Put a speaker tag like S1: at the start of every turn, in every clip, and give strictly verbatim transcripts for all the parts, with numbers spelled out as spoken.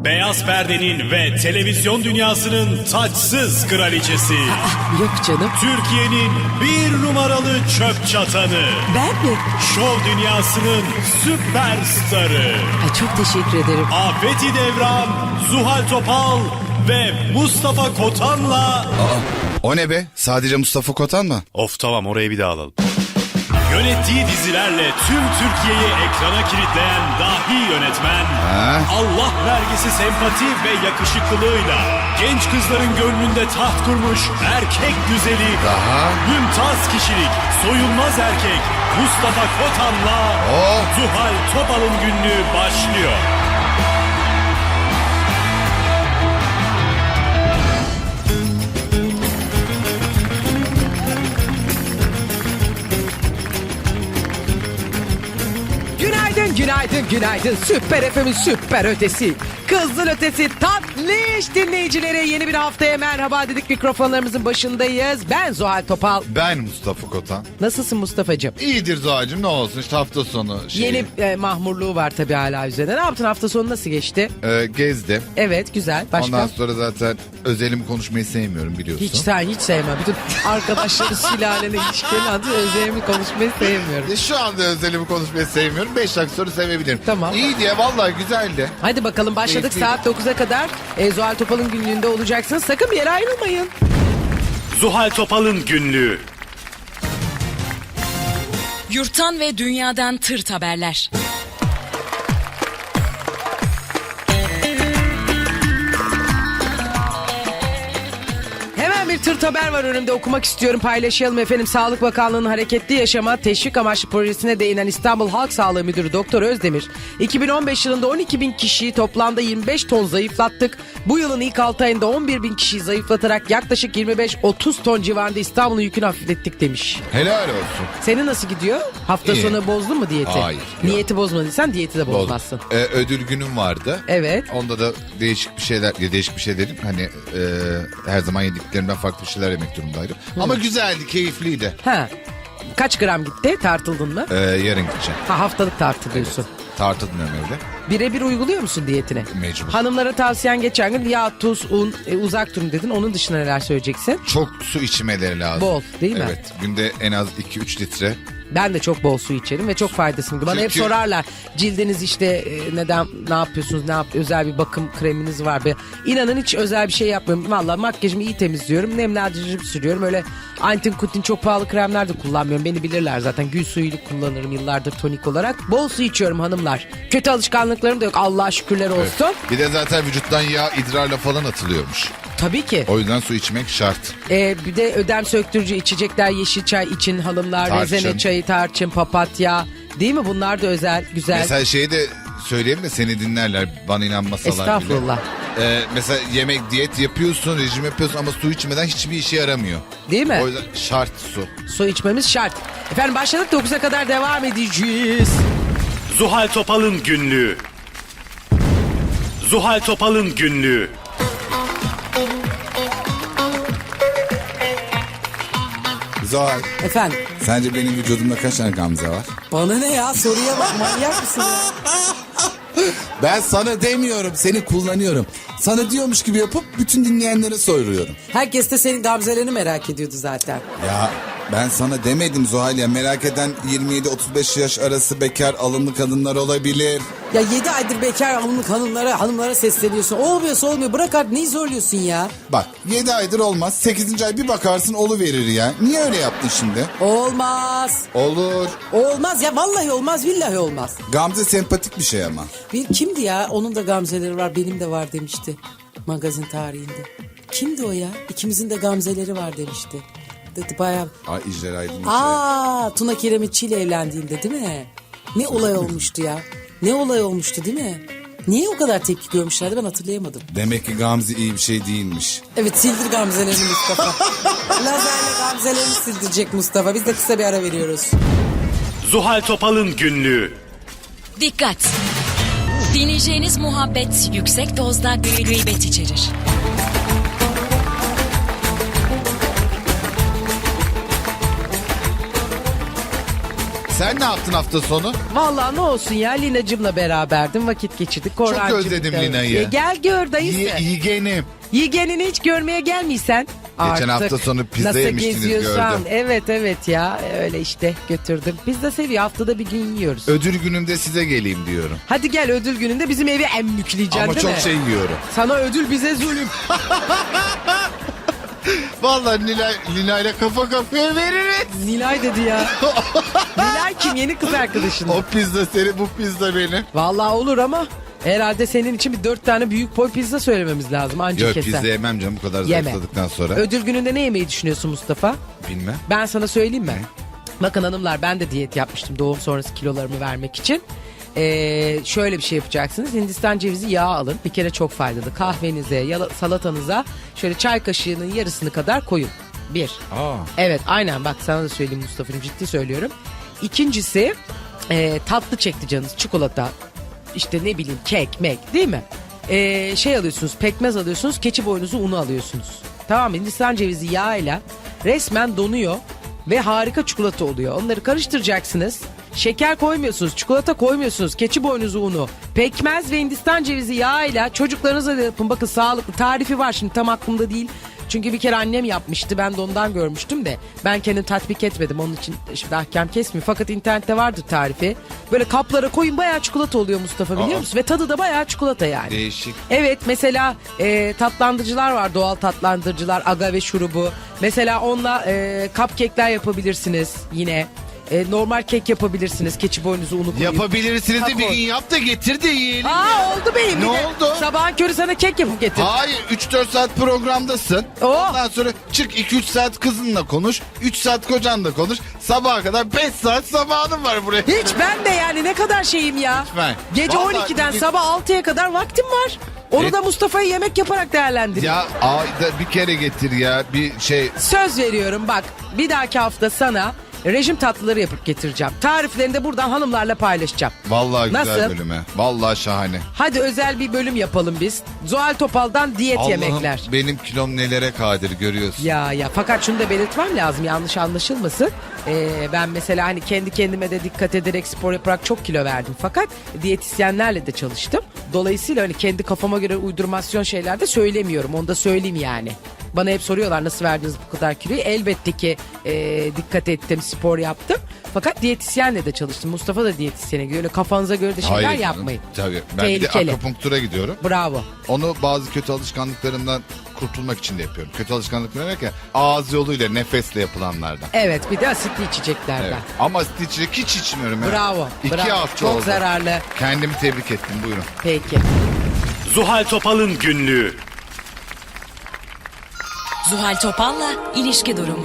S1: Beyaz perdenin ve televizyon dünyasının taçsız kraliçesi.
S2: Yok canım.
S1: Türkiye'nin bir numaralı çöp çatanı.
S2: Ben mi?
S1: Şov dünyasının süperstarı.
S2: Ay çok teşekkür ederim.
S1: Afeti Devran, Zuhal Topal ve Mustafa Kotan'la...
S3: Aa, o ne be? Sadece Mustafa Kotan mı?
S1: Of tamam, orayı bir daha alalım. Yönettiği dizilerle tüm Türkiye'yi ekrana kilitleyen dahi yönetmen,
S3: Ha?
S1: Allah vergisi sempati ve yakışıklılığıyla genç kızların gönlünde taht kurmuş erkek güzeli,
S3: Daha?
S1: mümtaz kişilik, soyulmaz erkek Mustafa Kotan'la
S3: Oh!
S1: Zuhal Topal'ın günlüğü başlıyor.
S2: Günaydın, günaydın, günaydın. Süper F M'in süper ötesi. Kızıl ötesi tatlış dinleyicilere yeni bir haftaya merhaba dedik. Mikrofonlarımızın başındayız. Ben Zuhal Topal.
S3: Ben Mustafa Kotan.
S2: Nasılsın Mustafa'cığım?
S3: İyidir Zuhal'cığım, ne olsun işte hafta sonu şeyi.
S2: Yeni e, mahmurluğu var tabii hala üzerinde. Ne yaptın, hafta sonu nasıl geçti?
S3: Ee, gezdim.
S2: Evet, güzel. Başka?
S3: Ondan sonra zaten özelimi konuşmayı sevmiyorum biliyorsun.
S2: Hiç sen hiç sevmem. Bütün arkadaşları sülalene ilişkilerini adı özelimi konuşmayı sevmiyorum.
S3: E, Şu anda özelimi konuşmayı sevmiyorum. Beş dakika sonra sevebilirim.
S2: Tamam.
S3: İyi diye vallahi güzeldi.
S2: Hadi bakalım başladık.
S3: Keyifliydi.
S2: Saat dokuza kadar e, Zuhal Topal'ın günlüğünde olacaksınız. Sakın bir yere ayrılmayın.
S1: Zuhal Topal'ın günlüğü.
S4: Yurttan ve dünyadan tırt haberler.
S2: Hemen bir tırt haber var önümde, okumak istiyorum, paylaşalım efendim. Sağlık Bakanlığı'nın hareketli yaşama teşvik amaçlı projesine değinen İstanbul Halk Sağlığı Müdürü Doktor Özdemir, iki bin on beş yılında on iki bin kişiyi toplamda yirmi beş ton zayıflattık. Bu yılın ilk altı ayında on bir bin kişiyi zayıflatarak yaklaşık yirmi beş otuz ton civarında İstanbul'un yükünü hafiflettik demiş.
S3: Helal olsun.
S2: Senin nasıl gidiyor? Hafta
S3: İyi.
S2: sonu bozdun mu diyeti?
S3: Hayır, yok.
S2: Niyeti bozmadıysan diyeti de bozmazsın.
S3: Ee, ödül günüm vardı.
S2: Evet.
S3: Onda da değişik bir şeyler, ya değişik bir şey dedim. Hani e, her zaman yediklerimden farklı bir şeyler yemek durumundaydım. Ama güzeldi, keyifliydi.
S2: Ha. Kaç gram gitti? Tartıldın mı?
S3: Ee, yarın gideceğim.
S2: Ha, haftalık tartılıyorsun.
S3: Tartılmıyorum evde.
S2: Birebir uyguluyor musun diyetine?
S3: Mecbur.
S2: Hanımlara tavsiyen geçen gün yağ, tuz, un, e, uzak durun dedin. Onun dışında neler söyleyeceksin?
S3: Çok su içmeleri lazım.
S2: Bol, değil mi?
S3: Evet. Günde en az iki üç litre.
S2: Ben de çok bol su içerim ve çok faydasını görüyorum. Bana hep
S3: Çünkü-
S2: sorarlar, cildiniz işte e, neden, ne yapıyorsunuz, ne yap, özel bir bakım kreminiz var be. İnanın hiç özel bir şey yapmıyorum. Valla makyajımı iyi temizliyorum, nemlendirici sürüyorum. Öyle antin kutin çok pahalı kremler de kullanmıyorum. Beni bilirler zaten, gül suyuyla kullanırım yıllardır tonik olarak. Bol su içiyorum hanımlar. Kötü alışkanlıklarım da yok, Allah'a şükürler olsun.
S3: Bir de zaten vücuttan yağ idrarla falan atılıyormuş.
S2: Tabii ki.
S3: O yüzden su içmek şart.
S2: Ee, bir de ödem söktürücü içecekler, yeşil çay için hanımlar,
S3: Tarçın.
S2: rezene çayı, tarçın, papatya. Değil mi? Bunlar da özel, güzel.
S3: Mesela şeyi de söyleyeyim de seni dinlerler, bana inanmasalar bile.
S2: Estağfurullah.
S3: Ee, mesela yemek, diyet yapıyorsun, rejim yapıyorsun ama su içmeden hiçbir işe yaramıyor.
S2: Değil mi?
S3: O yüzden şart su.
S2: Su içmemiz şart. Efendim başladık, dokuza kadar devam edeceğiz.
S1: Zuhal Topal'ın günlüğü. Zuhal Topal'ın günlüğü.
S5: Zuhal,
S2: Efendim
S5: sence benim vücudumda kaç tane gamze var?
S2: bana ne ya, soruya bak, manyak mısın ya?
S5: Ben sana demiyorum, seni kullanıyorum. Sana diyormuş gibi yapıp bütün dinleyenlere soruyorum.
S2: Herkes de senin gamzelerini merak ediyordu zaten.
S5: Ya ben sana demedim Zuhal ya, merak eden yirmi yedi otuz beş yaş arası bekar alımlı kadınlar olabilir.
S2: Ya yedi aydır bekar alımlık hanımlara, hanımlara sesleniyorsun. Olmuyorsa olmuyor, bırak artık, neyi zorluyorsun ya?
S5: Bak yedi aydır olmaz, sekizinci ay bir bakarsın oluverir ya. Niye öyle yaptın şimdi?
S2: Olmaz.
S5: Olur.
S2: Olmaz ya, vallahi olmaz, billahi olmaz.
S5: Gamze sempatik bir şey ama.
S2: Bir kimdi ya? Onun da gamzeleri var, benim de var demişti magazin tarihinde. Kimdi o ya? İkimizin de gamzeleri var demişti. Dedi bayağı.
S5: Ay İcler Aydın.
S2: Aa, Tuna Kiremitçi ile evlendiğinde değil mi? Ne olay olmuştu ya? Ne olay olmuştu değil mi? Niye o kadar tepki görmüşlerdi, ben hatırlayamadım.
S5: Demek ki Gamze iyi bir şey değilmiş.
S2: Evet, sildir gamzelerini Mustafa. Lazerle gamzelerini sildirecek Mustafa. Biz de kısa bir ara veriyoruz.
S1: Zuhal Topal'ın günlüğü.
S4: Dikkat! Dinleyeceğiniz muhabbet yüksek dozda gıybet içerir.
S3: Sen ne yaptın hafta sonu?
S2: Vallahi ne olsun ya, Lina'cımla beraberdim, vakit geçirdik. Korhancığım
S3: özledim
S2: da-
S3: Lina'yı.
S2: E, gel gör dayısı.
S3: İyi, yeğenim.
S2: Yeğenini hiç görmeye gelmiysen.
S3: Geçen hafta sonu pizza
S2: nasıl
S3: yemiştiniz,
S2: geziyorsan.
S3: gördüm.
S2: Evet evet ya, öyle işte götürdüm. Pizza seviyor, haftada bir gün yiyoruz.
S3: Ödül günümde size geleyim diyorum.
S2: Hadi gel, ödül gününde bizim evi emmükleyeceksin
S3: Ama
S2: değil
S3: çok
S2: mi?
S3: şey yiyorum.
S2: Sana ödül, bize zulüm.
S3: Vallahi Lina, Lina ile kafa kafaya veririz.
S2: Nilay dedi ya. Nilay kim? Yeni kız arkadaşın.
S3: O pizza senin, bu pizza benim.
S2: Vallahi olur ama herhalde senin için bir dört tane büyük boy pizza söylememiz lazım. Anca
S3: Yok,
S2: keser.
S3: pizza yemem canım, bu kadar
S2: Yeme.
S3: zayıfladıktan sonra.
S2: Ödül gününde ne yemeyi düşünüyorsun Mustafa?
S3: Bilmem.
S2: Ben sana söyleyeyim mi? Bakın hanımlar, ben de diyet yapmıştım doğum sonrası kilolarımı vermek için. Ee, şöyle bir şey yapacaksınız. Hindistan cevizi yağı alın. Bir kere çok faydalı. Kahvenize, yala- salatanıza şöyle çay kaşığının yarısını kadar koyun. Bir.
S3: Aa.
S2: Evet aynen, bak sana da söyleyeyim Mustafa'cığım, ciddi söylüyorum. İkincisi e, tatlı çekti canınız. Çikolata, işte ne bileyim kek, mek, değil mi? E, şey alıyorsunuz, pekmez alıyorsunuz, keçi boynuzu unu alıyorsunuz. Tamam mı? Hindistan cevizi yağıyla resmen donuyor ve harika çikolata oluyor. Onları karıştıracaksınız. Şeker koymuyorsunuz, çikolata koymuyorsunuz, keçi boynuzu unu, pekmez ve Hindistan cevizi yağıyla çocuklarınıza da yapın. Bakın sağlıklı, tarifi var, şimdi tam aklımda değil. Çünkü bir kere annem yapmıştı, ben de ondan görmüştüm de ben kendim tatbik etmedim, onun için şimdi ahkam kesmiyor. Fakat internette vardır tarifi. Böyle kaplara koyun, bayağı çikolata oluyor Mustafa, biliyor
S3: Aa.
S2: musun? Ve tadı da bayağı çikolata yani.
S3: Değişik.
S2: Evet, mesela e, tatlandırıcılar var, doğal tatlandırıcılar, agave şurubu. Mesela onunla e, cupcake'ler yapabilirsiniz yine. E, normal kek yapabilirsiniz, keçi boynuzu unu koyup.
S3: Yapabilirsiniz de bir
S2: Kakao.
S3: gün yap da getir de yiyelim.
S2: Aa, oldu benim.
S3: Ne
S2: Bir de
S3: oldu?
S2: Sabahın körü sana kek yapıp getir.
S3: Hayır, üç dört saat programdasın.
S2: Oh.
S3: Ondan sonra çık iki üç saat kızınla konuş. üç saat kocanla konuş. Sabaha kadar beş saat zamanın var buraya.
S2: Hiç, ben de yani ne kadar şeyim ya.
S3: Lütfen.
S2: Gece
S3: Vallahi
S2: on ikiden
S3: bir-
S2: sabah altıya kadar vaktim var. Onu
S3: E-
S2: da Mustafa'yı yemek yaparak değerlendir.
S3: Ya ayda bir kere getir ya, bir şey.
S2: Söz veriyorum bak, bir dahaki hafta sana rejim tatlıları yapıp getireceğim. Tariflerini de buradan hanımlarla paylaşacağım.
S3: Vallahi güzel
S2: Nasıl?
S3: bölüme. Vallahi şahane.
S2: Hadi özel bir bölüm yapalım biz. Zuhal Topal'dan diyet
S3: Allah'ım,
S2: yemekler.
S3: benim kilom nelere kadir görüyorsun.
S2: Ya ya, fakat şunu da belirtmem lazım, yanlış anlaşılmasın. Ee, ben mesela hani kendi kendime de dikkat ederek spor yaparak çok kilo verdim. Fakat diyetisyenlerle de çalıştım. Dolayısıyla hani kendi kafama göre uydurmasyon şeyler de söylemiyorum. Onu da söyleyeyim yani. Bana hep soruyorlar, nasıl verdiniz bu kadar kiloyu? Elbette ki e, dikkat ettim, spor yaptım. Fakat diyetisyenle de çalıştım. Mustafa da diyetisyene gidiyor. Öyle kafanıza göre de şeyler
S3: Hayır canım,
S2: yapmayın.
S3: Tabii. Ben bir
S2: Tehlikeli.
S3: de akupunktura gidiyorum.
S2: Bravo.
S3: Onu bazı kötü alışkanlıklarımdan kurtulmak için de yapıyorum. Kötü alışkanlıklar derken ağız yoluyla, nefesle yapılanlardan.
S2: Evet, bir de asitli içeceklerden.
S3: Evet. Ama içecek hiç içmiyorum. ya.
S2: Bravo.
S3: İki
S2: bravo.
S3: hafta
S2: Çok
S3: oldu.
S2: zararlı.
S3: Kendimi tebrik ettim, buyurun.
S2: Peki.
S1: Zuhal Topal'ın günlüğü.
S4: Zuhal Topal'la ilişki durumu.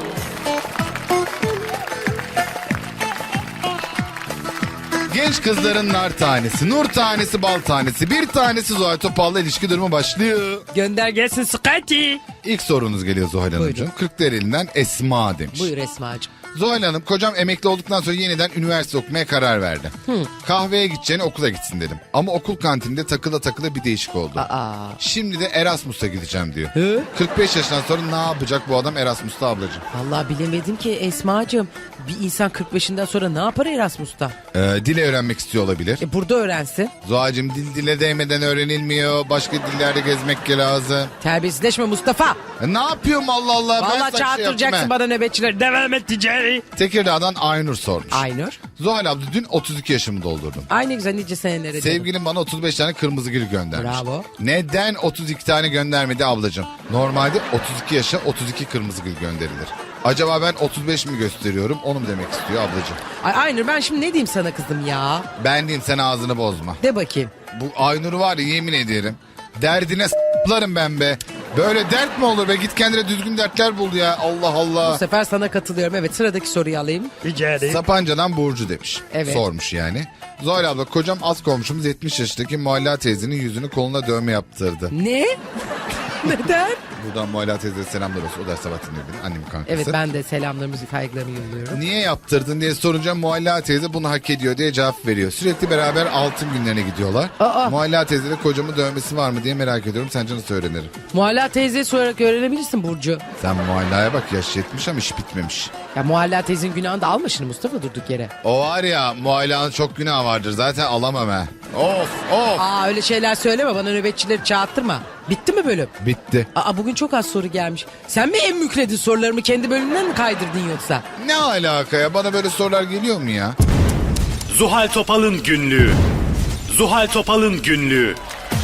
S3: Genç kızların nar tanesi, nur tanesi, bal tanesi. Bir tanesi Zuhal Topal'la ilişki durumu başlıyor.
S2: Gönder gelsin Scotty.
S3: İlk sorunuz geliyor Zuhal Hanımcığım.
S2: Buyurun.
S3: Kırklareli'nden Esma demiş.
S2: Buyur Esma'cığım.
S3: Zuhal Hanım, kocam emekli olduktan sonra yeniden üniversite okumaya karar verdi. Kahveye gideceğine okula gitsin dedim. Ama okul kantininde takıla takıla bir değişik oldu.
S2: Aa.
S3: Şimdi de Erasmus'a gideceğim diyor.
S2: Hı?
S3: kırk beş yaşından sonra ne yapacak bu adam Erasmus'ta ablacığım?
S2: Vallahi bilemedim ki Esma'cığım. Bir insan kırk beşinden sonra ne yapar Erasmus'ta?
S3: Ee, dile öğrenmek istiyor olabilir.
S2: E burada öğrensin.
S3: Zuhal'cığım, dil dile değmeden öğrenilmiyor. Başka dillerde gezmek lazım.
S2: Terbiyesizleşme Mustafa.
S3: E, ne yapıyorum Allah Allah? Ben
S2: Vallahi
S3: sana şey
S2: çağırtıracaksın
S3: yaptım, he.
S2: bana nöbetçileri. Devam et ticari.
S3: Tekirdağ'dan Aynur sormuş.
S2: Aynur.
S3: Zuhal abla, dün otuz iki yaşımı doldurdum.
S2: Aynı güzel nice senelere. canım.
S3: Sevgilim bana otuz beş tane kırmızı gül göndermiş.
S2: Bravo.
S3: Neden otuz iki tane göndermedi ablacığım? Normalde otuz iki yaşa otuz iki kırmızı gül gönderilir. Acaba ben otuz beş mi gösteriyorum, onu mu demek istiyor ablacığım?
S2: Ay Aynur, ben şimdi ne diyeyim sana kızım ya?
S3: Ben diyeyim, sen ağzını bozma.
S2: De bakayım.
S3: Bu Aynur var ya, yemin ederim. Derdine s**larım ben be. Böyle dert mi olur be? Git kendine düzgün dertler bul ya. Allah
S2: Bu
S3: Allah.
S2: sefer sana katılıyorum. Evet, sıradaki soruyu alayım.
S3: Sapanca'dan Burcu demiş.
S2: Evet.
S3: Sormuş yani. Zuhal abla, kocam az komşumuz yetmiş yaşındaki Mualla teyzenin yüzünü koluna dövme yaptırdı.
S2: Ne? Neden?
S3: Buradan Mualla teyze selamlar olsun. O da sabah dinliyor beni. Annemin kankası.
S2: Evet, ben de selamlarımızı, saygılarımı yolluyorum.
S3: Niye yaptırdın diye sorunca Mualla teyze bunu hak ediyor diye cevap veriyor. Sürekli beraber altın günlerine gidiyorlar.
S2: Aa.
S3: Mualla teyze de kocamın dövmesi var mı diye merak ediyorum. Sence nasıl öğrenirim?
S2: Mualla teyzeye sorarak öğrenebilirsin Burcu.
S3: Sen Mualla'ya bak, yaş yetmiş ama iş bitmemiş.
S2: Ya Mualla teyzenin günahını da alma şimdi Mustafa durduk yere.
S3: O var ya, Mualla'nın çok günahı vardır. Zaten alamam ha. Of of.
S2: Aa öyle şeyler söyleme, bana nöbetçileri çağırttırma. Bitti mi bölüm?
S3: Bitti.
S2: Aa bugün çok az soru gelmiş. Sen mi en mükredin sorularımı kendi bölümünden mi kaydırdın yoksa?
S3: Ne alaka ya? Bana böyle sorular geliyor mu ya?
S1: Zuhal Topal'ın günlüğü. Zuhal Topal'ın günlüğü.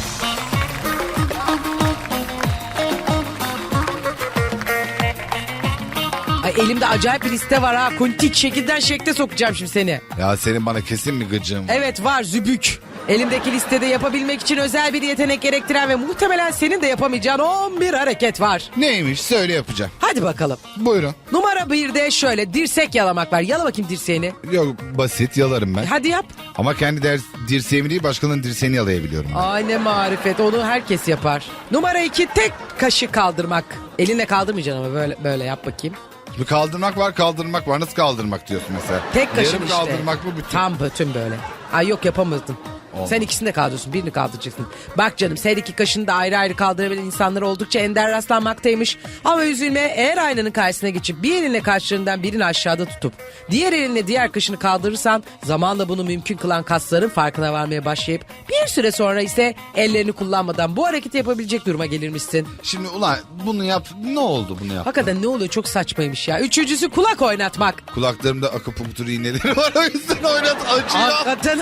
S2: Ay elimde acayip bir liste var ha. Kuntik şekilden şekle sokacağım şimdi seni.
S3: Ya senin bana kesin mi gıcığın var?
S2: Evet var, zübük. Elimdeki listede yapabilmek için özel bir yetenek gerektiren ve muhtemelen senin de yapamayacağın on bir hareket var.
S3: Neymiş? Söyle, yapacağım.
S2: Hadi bakalım.
S3: Buyurun.
S2: Numara birde şöyle dirsek yalamak var. Yala bakayım dirseğini.
S3: Yok, basit, yalarım ben.
S2: Hadi yap.
S3: Ama kendi ders, dirseğimi değil başkalarının dirseğini yalayabiliyorum ben.
S2: Ay ne marifet, onu herkes yapar. Numara iki, tek kaşı kaldırmak. Elinle kaldırmayacaksın ama böyle böyle yap bakayım.
S3: Bir kaldırmak var, kaldırmak var. Nasıl kaldırmak diyorsun mesela?
S2: Tek kaşın
S3: Yarım
S2: işte.
S3: kaldırmak mı bütün?
S2: Tam bütün böyle. Ay yok yapamazdın.
S3: Olmaz.
S2: Sen ikisini de kaldırıyorsun, birini kaldıracaksın. Bak canım, sen iki kaşını da ayrı ayrı kaldırabilen insanlar oldukça ender rastlanmaktaymış. Ama üzülme, eğer aynanın karşısına geçip bir elinle kaşlarından birini aşağıda tutup diğer elinle diğer kaşını kaldırırsan zamanla bunu mümkün kılan kasların farkına varmaya başlayıp bir süre sonra ise ellerini kullanmadan bu hareketi yapabilecek duruma gelirmişsin.
S3: Şimdi ulan bunu yap, ne oldu bunu yap?
S2: Hakikaten ne oluyor, çok saçmaymış ya. Üçüncüsü kulak oynatmak.
S3: Kulaklarımda akupunktur iğneleri var, o yüzden oynat, acıyor.
S2: Hakikaten.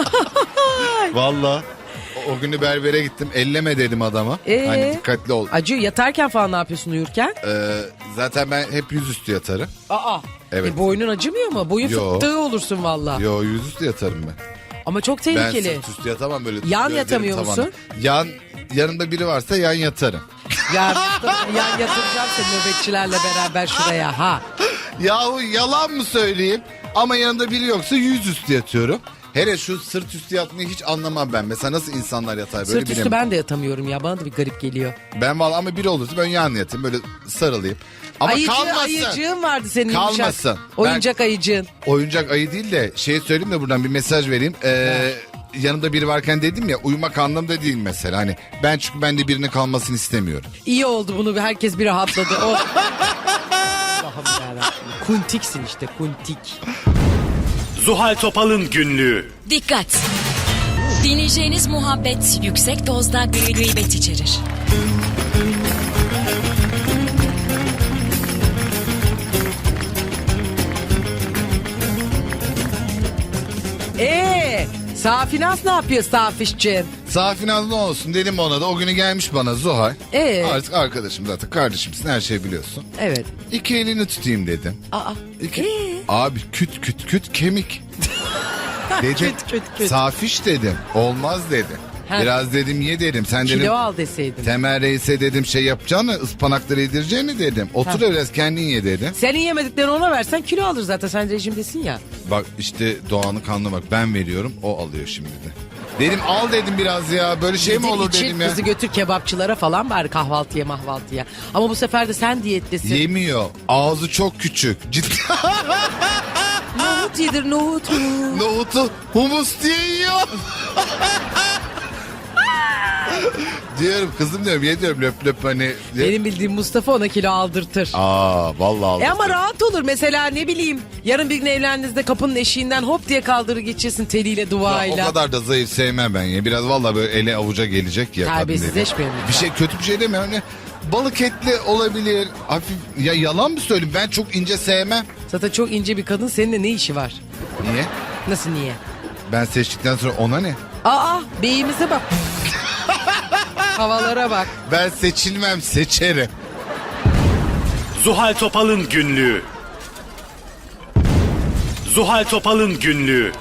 S3: Valla. O, o günü berbere gittim, elleme dedim adama.
S2: Ee?
S3: Hani dikkatli ol.
S2: Acıyor, yatarken falan ne yapıyorsun uyurken?
S3: Ee, zaten ben hep yüzüstü yatarım.
S2: Aa.
S3: Evet.
S2: E, boynun acımıyor mu? Boyun
S3: Yo.
S2: fıttığı olursun valla.
S3: Yo, yüzüstü yatarım ben.
S2: Ama çok
S3: Ben
S2: tehlikeli.
S3: sırt üstü yatamam böyle.
S2: Yan
S3: gözlerim
S2: yatamıyor
S3: tavana.
S2: musun?
S3: Yan, yanımda biri varsa yan yatarım.
S2: Ya Mustafa, yan yatıracağım seni nöbetçilerle beraber şuraya ha.
S3: Yahu yalan mı söyleyeyim? Ama yanında biri yoksa yüzüstü yatıyorum. Hele şu sırt üstü yatmayı hiç anlamam ben. Mesela nasıl insanlar yatar böyle,
S2: Sırt üstü
S3: bilemem.
S2: ben de yatamıyorum ya, bana da bir garip geliyor.
S3: Ben valla, ama biri olursa ben yan yatayım, böyle sarılayım. Ama
S2: Ayıcı,
S3: kalmasın.
S2: ayıcığın vardı senin yumuşak.
S3: Kalmasın.
S2: Oyuncak ayıcığın.
S3: Oyuncak ayı değil de şey söyleyeyim de buradan bir mesaj vereyim. Ee, yanımda biri varken dedim ya, uyumak anlamda değil mesela. Hani ben, çünkü ben de birinin kalmasını istemiyorum.
S2: İyi oldu, bunu herkes bir rahatladı. Oh. Allah'ım yarabbim. Kuntiksin işte, kuntik.
S1: Zuhal Topal'ın günlüğü.
S4: Dikkat! Dinleyeceğiniz muhabbet yüksek dozda gıybet içerir.
S2: Eee Safinaz ne yapıyor Safişciğim?
S3: Safinaz ne olsun dedim ona da, o günü gelmiş bana Zuhal.
S2: Ee?
S3: Artık arkadaşım, zaten kardeşimsin, her şeyi biliyorsun.
S2: Evet.
S3: İki elini tutayım dedim.
S2: Aa.
S3: İki...
S2: Ee?
S3: Abi küt küt küt kemik. Dedim,
S2: Küt, küt, küt.
S3: Safiş dedim, olmaz dedi.
S2: Ha.
S3: Biraz dedim ye dedim. Sen dedim,
S2: Kilo al deseydin.
S3: Temel Reis'e dedim şey yapacağını, ıspanakları yedireceğini dedim. Otur
S2: Ha.
S3: biraz kendin ye dedim.
S2: Senin yemediklerini ona versen kilo alır zaten, sen rejimdesin ya.
S3: Bak işte Doğan'ı kanlı bak, ben veriyorum, o alıyor şimdi de. Dedim al dedim biraz ya, böyle şey mi olur
S2: İçin,
S3: dedim ya.
S2: kızı götür kebapçılara falan bari, kahvaltıya mahvaltıya. Ama bu sefer de sen diyettesin.
S3: Yemiyor, ağzı çok küçük. Ciddi.
S2: Nohut yedir nohut.
S3: Nohutu humus diye yiyor. Diyorum kızım, diyorum ye diyorum, löp löp hani.
S2: Benim bildiğim Mustafa ona kilo aldırtır.
S3: Aa vallahi aldı.
S2: E ama rahat olur mesela, ne bileyim. Yarın bir gün evlendiğinizde kapının eşiğinden hop diye kaldırır geçirsin teliyle,
S3: Ya,
S2: duayla.
S3: o kadar da zayıf sevmem ben ya. Biraz vallahi böyle ele avuca gelecek ya. kadın
S2: Terbiyesizleşmeyin
S3: dedi.
S2: lütfen.
S3: Bir şey, kötü bir şey demiyorum. Hani balık etli olabilir. Hafif, ya yalan mı söyleyeyim? Ben çok ince sevmem.
S2: Zaten çok ince bir kadın, seninle ne işi var?
S3: Niye?
S2: Nasıl niye?
S3: Ben seçtikten sonra ona ne?
S2: Aa beyimize bak. Havalara bak.
S3: Ben seçilmem, seçerim.
S1: Zuhal Topal'ın günlüğü. Zuhal Topal'ın günlüğü.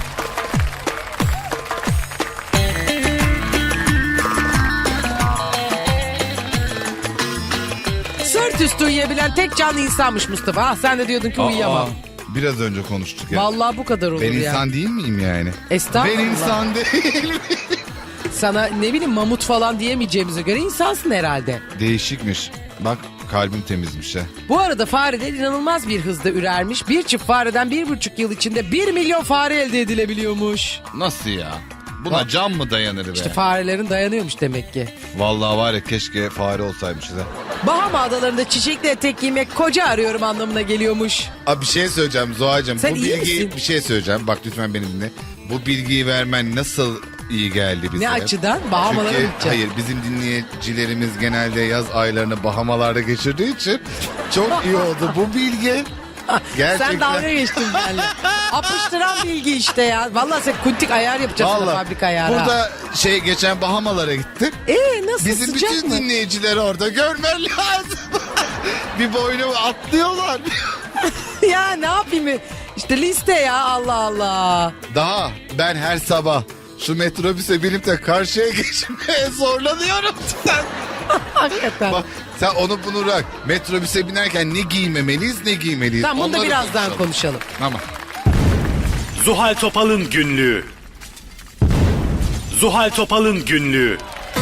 S2: Sırt üstü uyuyabilen tek canlı insanmış Mustafa. Ah, sen de diyordun ki uyuyamam.
S3: Aa, biraz önce konuştuk ya.
S2: Vallahi bu kadar olur
S3: Ben
S2: ya.
S3: insan değil miyim yani?
S2: Estağfurullah.
S3: Ben insan değil miyim?
S2: Sana ne bileyim mamut falan diyemeyeceğimize göre insansın herhalde.
S3: Değişikmiş. Bak kalbim temizmiş ha.
S2: Bu arada fareler inanılmaz bir hızda ürermiş. Bir çift fareden bir buçuk yıl içinde bir milyon fare elde edilebiliyormuş.
S3: Nasıl ya? Buna can mı dayanır be?
S2: İşte farelerin dayanıyormuş demek ki.
S3: Vallahi var ya keşke fare olsaymışız ha.
S2: Bahama adalarında çiçekli etek giymek koca arıyorum anlamına geliyormuş.
S3: Abi bir şey söyleyeceğim Zuhal'cığım.
S2: Sen
S3: Bu
S2: iyi
S3: bilgiyi
S2: misin?
S3: bir şey söyleyeceğim. Bak lütfen beni dinle. Bu bilgiyi vermen nasıl iyi geldi bize.
S2: Ne açıdan? Bahamalara
S3: Çünkü
S2: mı gideceğim?
S3: hayır bizim dinleyicilerimiz genelde yaz aylarını Bahamalarda geçirdiği için çok iyi oldu bu bilgi. Gerçekten.
S2: Sen dalga geçtin benimle. Apıştıran bilgi işte ya. Vallahi sen kuntik ayar yapacağız sana
S3: Vallahi
S2: fabrika ayarı.
S3: burada şey geçen Bahamalara gittim.
S2: Ee nasıl
S3: Bizim
S2: sıcak
S3: bütün
S2: mı?
S3: dinleyicileri orada görmen lazım. Bir boynu atlıyorlar.
S2: Ya ne yapayım? İşte liste ya Allah Allah.
S3: Daha ben her sabah şu metrobüse binip de karşıya geçmeye zorlanıyorum. Sen,
S2: Hakikaten.
S3: bak, sen onu bunu bırak. Metrobüse binerken ne giymemeliyiz ne giymeliyiz.
S2: Tamam bunu da
S3: Onları
S2: birazdan konuşalım.
S3: Tamam.
S1: Zuhal Topal'ın günlüğü. Zuhal Topal'ın günlüğü.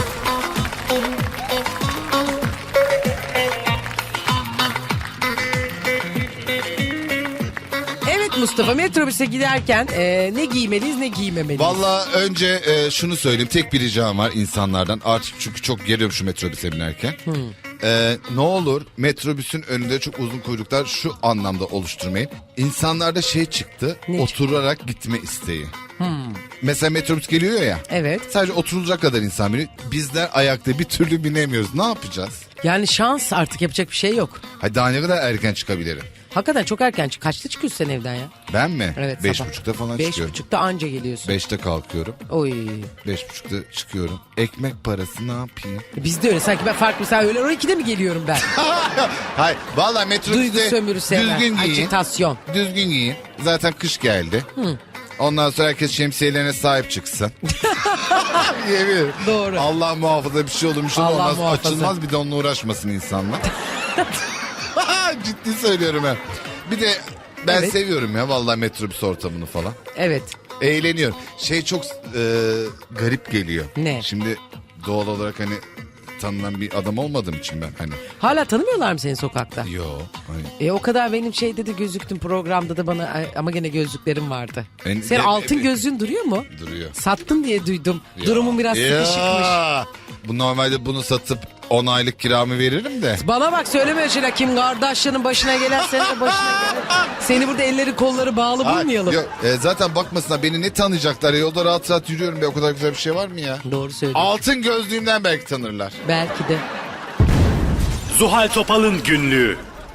S2: Evet Mustafa metrobüse giderken e, ne giymeliyiz ne giymemeliyiz.
S3: Valla önce e, şunu söyleyeyim. Tek bir ricam var insanlardan. Artık çünkü çok geliyorum şu metrobüse binerken. E, ne olur metrobüsün önünde çok uzun kuyruklar şu anlamda oluşturmayın. İnsanlarda şey çıktı.
S2: Ne
S3: oturarak gitme isteği. Mesela metrobüs geliyor ya.
S2: Evet.
S3: Sadece oturulacak kadar insan biniyor. Bizler ayakta bir türlü binemiyoruz. Ne yapacağız?
S2: Yani şans artık yapacak bir şey yok.
S3: Hadi daha ne kadar erken çıkabilirim?
S2: Hakikaten çok erken çık. Kaçta çıkıyorsun sen evden ya?
S3: Ben mi?
S2: Evet
S3: Beş
S2: sabah.
S3: buçukta falan
S2: Beş
S3: çıkıyorum.
S2: buçukta anca geliyorsun.
S3: Beşte kalkıyorum.
S2: Oy.
S3: Beş buçukta çıkıyorum. Ekmek parası ne yapayım?
S2: Biz de öyle sanki ben farklı mesela öğlen on ikide mi geliyorum ben?
S3: Hayır valla metrobüste
S2: Duygu sömürüsü hemen.
S3: düzgün giyin.
S2: Ajitasyon.
S3: Düzgün giyin. Zaten kış geldi. Ondan sonra herkes şemsiyelerine sahip çıksın. Yemin ederim.
S2: Doğru.
S3: Allah muhafaza bir şey olur bir şey
S2: Allah
S3: olmaz.
S2: muhafaza.
S3: Açılmaz bir de onunla uğraşmasın insanlar. Ciddi söylüyorum ha. Bir de ben
S2: Evet.
S3: seviyorum ya vallahi metrobüs ortamını falan.
S2: Evet.
S3: Eğleniyorum. Şey çok e, garip geliyor.
S2: Ne?
S3: Şimdi doğal olarak hani tanınan bir adam olmadığım için ben hani.
S2: Hala tanımıyorlar mı seni sokakta?
S3: Yo. Hani.
S2: E o kadar benim şeyde de gözüktün programda da bana ay, ama gene gözlüklerim vardı.
S3: En-
S2: Senin
S3: e-
S2: altın
S3: e-
S2: gözlüğün duruyor mu?
S3: Duruyor.
S2: Sattın diye duydum.
S3: Ya.
S2: Durumun biraz
S3: Ya.
S2: sıkışıkmış.
S3: Bu normalde bunu satıp on aylık kiramı veririm de.
S2: Bana bak söyleme öyle şeyler. Kim kardeşlerin başına gelen senin de başına gelir. Seni burada elleri kolları bağlı
S3: Ay,
S2: bulmayalım.
S3: yok, e, zaten bakmasınlar beni ne tanıyacaklar ya, yolda rahat rahat yürüyorum be, o kadar güzel bir şey var mı ya?
S2: Doğru söylüyorsun.
S3: Altın gözlüğümden belki tanırlar.
S2: Belki de.
S1: Zuhal Topal'ın günlüğü.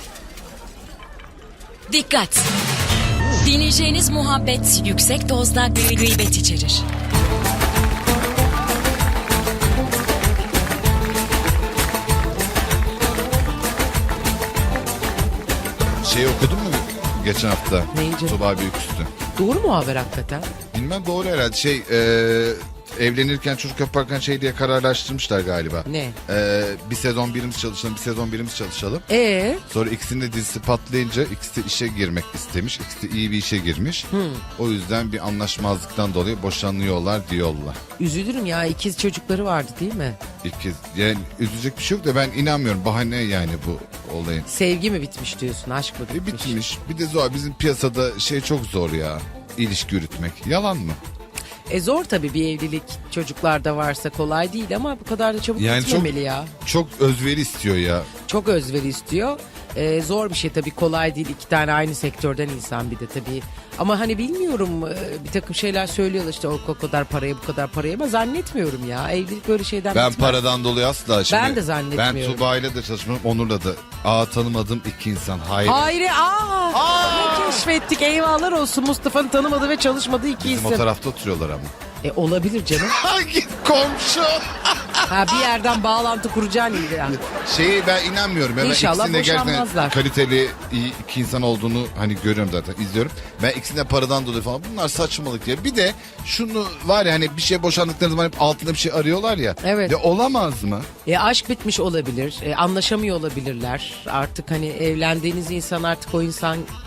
S4: Dikkat! Dinleyeceğiniz muhabbet yüksek dozda gı- gıybet içerir.
S3: Şey okudun mu geçen hafta?
S2: Neyi canım?
S3: Tuba Büyüküstü.
S2: Doğru mu haber hakikaten?
S3: Bilmem, doğru herhalde. Şey e, evlenirken çocuk yaparken şey diye kararlaştırmışlar galiba.
S2: Ne?
S3: E, bir sezon birimiz çalışalım, bir sezon birimiz çalışalım.
S2: Ee,
S3: Sonra ikisinin de dizisi patlayınca ikisi de işe girmek istemiş. İkisi de iyi bir işe girmiş. O yüzden bir anlaşmazlıktan dolayı boşanıyorlar diyorlar.
S2: üzülürüm ya, ikiz çocukları vardı değil mi?
S3: İkiz. Yani üzülecek bir şey yok da ben inanmıyorum. Bahane yani bu olayın.
S2: Sevgi mi bitmiş diyorsun, aşk mı
S3: E
S2: bitmiş?
S3: bitmiş. Bir de zor. Bizim piyasada şey çok zor ya. İlişki yürütmek. Yalan mı?
S2: E zor tabii, bir evlilik çocuklarda varsa kolay değil ama bu kadar da çabuk
S3: Yani
S2: bitmemeli
S3: çok-
S2: ya.
S3: Çok özveri istiyor ya.
S2: Çok özveri istiyor. Ee, zor bir şey tabii, kolay değil, iki tane aynı sektörden insan bir de tabii. Ama hani bilmiyorum, e, bir takım şeyler söylüyorlar işte o, o kadar paraya bu kadar paraya, ama zannetmiyorum ya. Evlilik böyle şeyden
S3: Ben
S2: bitmez.
S3: paradan dolayı asla şimdi.
S2: Ben de zannetmiyorum.
S3: Ben Tuba'yla da çalışmam. Onur'la da. Aa, tanımadığım iki insan. Hayır.
S2: Hayri aa, ne keşfettik, eyvallah olsun, Mustafa'nın tanımadığı ve çalışmadığı iki
S3: Bizim o
S2: isim.
S3: tarafta oturuyorlar ama.
S2: E olabilir canım.
S3: Hangi komşu?
S2: Ha, bir yerden bağlantı kuracaksın iyi yani.
S3: Şeyi ben inanmıyorum. Ya. Ben
S2: İnşallah
S3: ikisinin de gerçekten
S2: boşanmazlar.
S3: kaliteli iyi iki insan olduğunu hani görüyorum zaten, izliyorum. Ben ikisinin de paradan dolayı falan, bunlar saçmalık ya. Bir de şunu var ya, hani bir şey boşandıkları zaman hep altında bir şey arıyorlar ya.
S2: Evet.
S3: De olamaz mı?
S2: E, aşk bitmiş olabilir, e, anlaşamıyor olabilirler. Artık hani evlendiğiniz insan artık o insan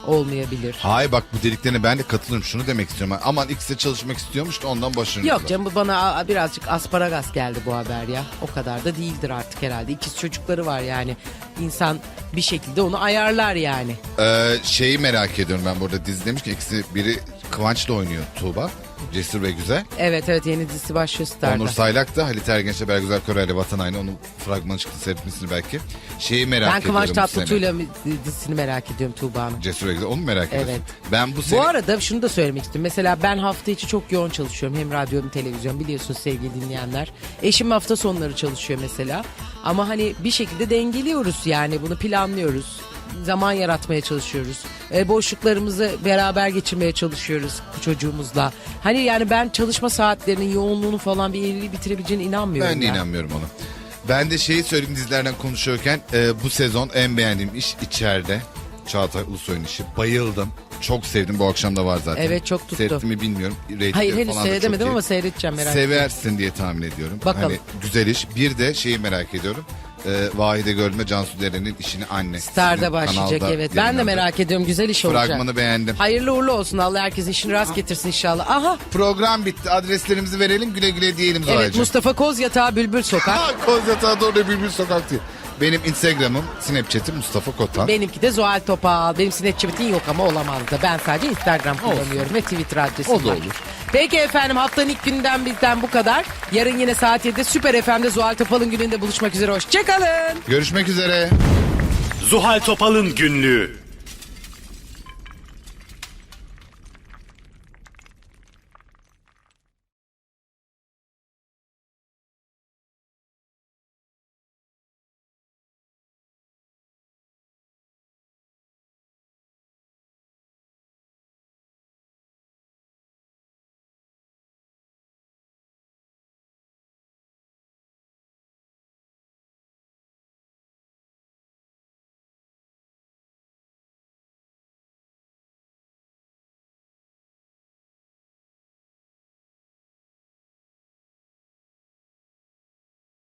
S2: olmayabilir.
S3: Hayır bak bu dediklerine ben de katılıyorum. Şunu demek istiyorum. Aman ikisi de çalışmak istiyormuş da ondan başarılı.
S2: Yok canım bu bana a- birazcık asparagas geldi bu haber ya. O kadar da değildir artık herhalde. İkiz çocukları var yani. İnsan bir şekilde onu ayarlar yani.
S3: Ee, şeyi merak ediyorum ben burada dizi demiş ki ikisi biri Kıvanç'la oynuyor Tuğba. Cesur ve Güzel.
S2: Evet evet yeni dizisi başlıyor Star'da.
S3: Onur Saylak da Halit Ergenç'le Bergüzar Koray'la Vatan Haini. Onun fragmanı çıktı seyretmesini belki. Şeyi merak
S2: Ben
S3: ediyorum
S2: Kıvanç
S3: bu sene.
S2: Tatlıtuğ'yla dizisini merak ediyorum Tuğba'nın.
S3: Cesur ve Güzel onu merak ediyorum.
S2: Evet.
S3: Ben bu sene...
S2: Bu arada şunu da söylemek istiyorum. Mesela ben hafta içi çok yoğun çalışıyorum. Hem radyo hem televizyon biliyorsunuz sevgili dinleyenler. Eşim hafta sonları çalışıyor mesela. Ama hani bir şekilde dengeliyoruz yani bunu planlıyoruz. Zaman yaratmaya çalışıyoruz. E, boşluklarımızı beraber geçirmeye çalışıyoruz çocuğumuzla. Hani yani ben çalışma saatlerinin yoğunluğunu falan bir evliliği bitirebileceğine inanmıyorum.
S3: Ben de
S2: ya.
S3: inanmıyorum ona. Ben de şeyi söyleyeyim dizilerden konuşuyorken e, bu sezon en beğendiğim iş içeride. Çağatay Ulusoy'un işi. Bayıldım. Çok sevdim. Bu akşam da var zaten.
S2: Evet, çok tuttu.
S3: Seyrettim mi bilmiyorum. Ratingleri
S2: Hayır henüz
S3: falan da çok
S2: seyredemedim
S3: iyi.
S2: ama seyredeceğim merak etme.
S3: Seversin diye tahmin ediyorum.
S2: Bakalım.
S3: Hani güzel iş. Bir de şeyi merak ediyorum. E, Vahide Görme Cansu Deren'in işini anne.
S2: Star'da
S3: Sizin
S2: başlayacak
S3: kanalda
S2: evet. Ben de
S3: yayınlandı.
S2: merak ediyorum güzel iş olacak.
S3: Fragmanı beğendim.
S2: Hayırlı uğurlu olsun Allah herkes işini rast getirsin inşallah. Aha
S3: Program bitti. Adreslerimizi verelim. Güle güle diyelim
S2: evet
S3: Zuhal'cığım.
S2: Mustafa Kozyatağı Bülbül Sokak.
S3: Ha, Kozyatağı doğru Bülbül Sokak değil. Benim Instagram'ım, Snapchat'im Mustafa Kotan.
S2: Benimki de Zuhal Topal. Benim Snapchat'im yok ama olamaz da. Ben sadece Instagram kullanıyorum ve Twitter adresim
S3: O da
S2: var.
S3: olur.
S2: Peki efendim haftanın ilk günden bizden bu kadar. Yarın yine saat yedide Süper F M'de Zuhal Topal'ın gününde buluşmak üzere. Hoşçakalın.
S3: Görüşmek üzere.
S1: Zuhal Topal'ın günlüğü.